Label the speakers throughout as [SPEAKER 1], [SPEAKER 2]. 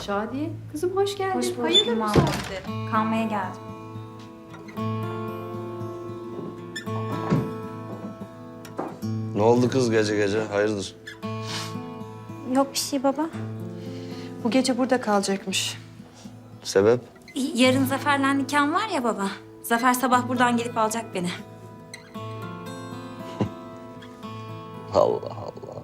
[SPEAKER 1] Şadiye, kızım hoş geldin.
[SPEAKER 2] Hoş bulduk
[SPEAKER 1] Hayırdır bu
[SPEAKER 2] İmam.
[SPEAKER 1] saatte?
[SPEAKER 2] Kalmaya geldim.
[SPEAKER 3] Ne oldu kız gece gece? Hayırdır?
[SPEAKER 2] Yok bir şey baba.
[SPEAKER 4] Bu gece burada kalacakmış.
[SPEAKER 3] Sebep?
[SPEAKER 2] Yarın Zafer'le nikahım var ya baba. Zafer sabah buradan gelip alacak beni.
[SPEAKER 3] Allah Allah.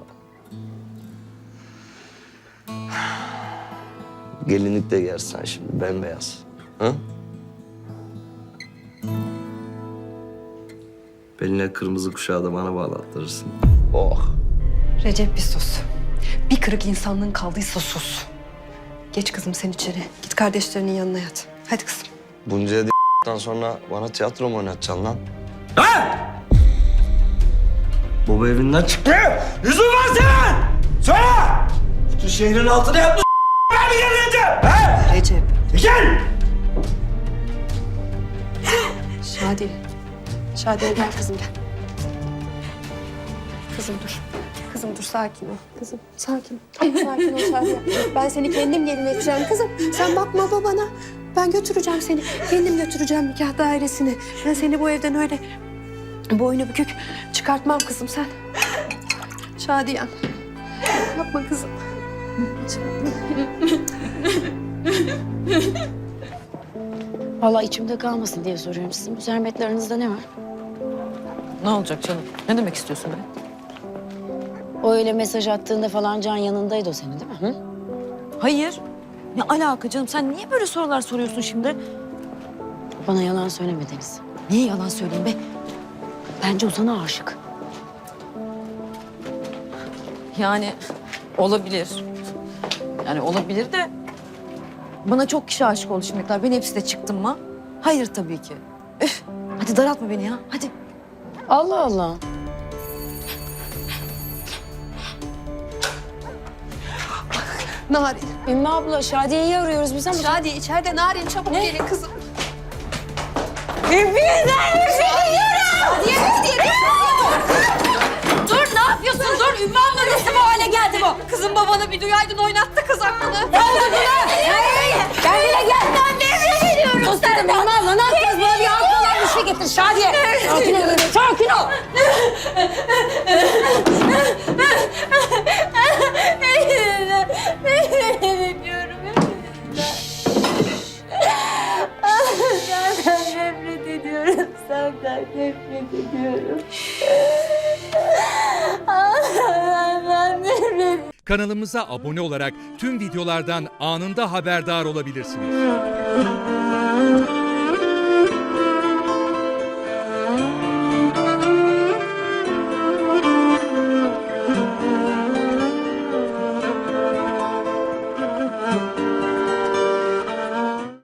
[SPEAKER 3] Gelinlik de giyersen şimdi bembeyaz. Ha? Beline kırmızı kuşağı da bana bağlattırırsın. Oh.
[SPEAKER 4] Recep bir sus. Bir kırık insanlığın kaldıysa sus. Geç kızım sen içeri. Git kardeşlerinin yanına yat. Hadi kızım.
[SPEAKER 3] Bunca d***den sonra bana tiyatro mu oynatacaksın lan? Ha! Baba evinden çıktı.
[SPEAKER 5] Yüzün var senin! Söyle! Bütün şehrin altına yapmış ben mi geleceğim? He?
[SPEAKER 4] Recep.
[SPEAKER 5] Gel!
[SPEAKER 4] Şadiye. Şadiye gel kızım gel. Kızım dur. Kızım dur sakin ol. Kızım sakin ol. Sakin ol Şadiye. Ben seni kendim gelin edeceğim kızım. Sen bakma babana. Ben götüreceğim seni. Kendim götüreceğim nikah dairesine. Ben seni bu evden öyle boynu bükük çıkartmam kızım sen. Şadiyem. Yapma kızım.
[SPEAKER 6] Vallahi içimde kalmasın diye soruyorum. Sizin bu zahmetli aranızda ne var?
[SPEAKER 7] Ne olacak canım? Ne demek istiyorsun be?
[SPEAKER 6] O öyle mesaj attığında falan Can yanındaydı o senin değil mi? Hı?
[SPEAKER 7] Hayır. Ne alaka canım? Sen niye böyle sorular soruyorsun şimdi?
[SPEAKER 6] Bana yalan söyleme Deniz.
[SPEAKER 7] Niye yalan söyleyeyim be?
[SPEAKER 6] Bence Ozan'a aşık.
[SPEAKER 7] Yani olabilir. Yani olabilir de... Bana çok kişi aşık oldu şimdiler. Ben hepsi de çıktım mı? Hayır tabii ki. Üf! Hadi daraltma beni ya. Hadi.
[SPEAKER 6] Allah Allah.
[SPEAKER 4] Narin.
[SPEAKER 6] Ümmü abla Şadiye'yi arıyoruz biz ama...
[SPEAKER 4] Şadiye içeride Narin çabuk gelin kızım.
[SPEAKER 2] Dur ne yapıyorsun? Dur Ümmü abla nasıl bu hale geldi bu? Kızım babanı bir duyaydın oynattı kız aklını. Ne oldu buna? Kendine gel. Ben nereye geliyorum?
[SPEAKER 6] Sus dedim Ümmü abla ne yapacağız? Bana bir altından bir şey getir Şadiye. Sakin ol, sakin ol.
[SPEAKER 2] Senden nefret ediyorum. Senden nefret ediyorum. Senden nefret ediyorum.
[SPEAKER 8] Kanalımıza abone olarak tüm videolardan anında haberdar olabilirsiniz.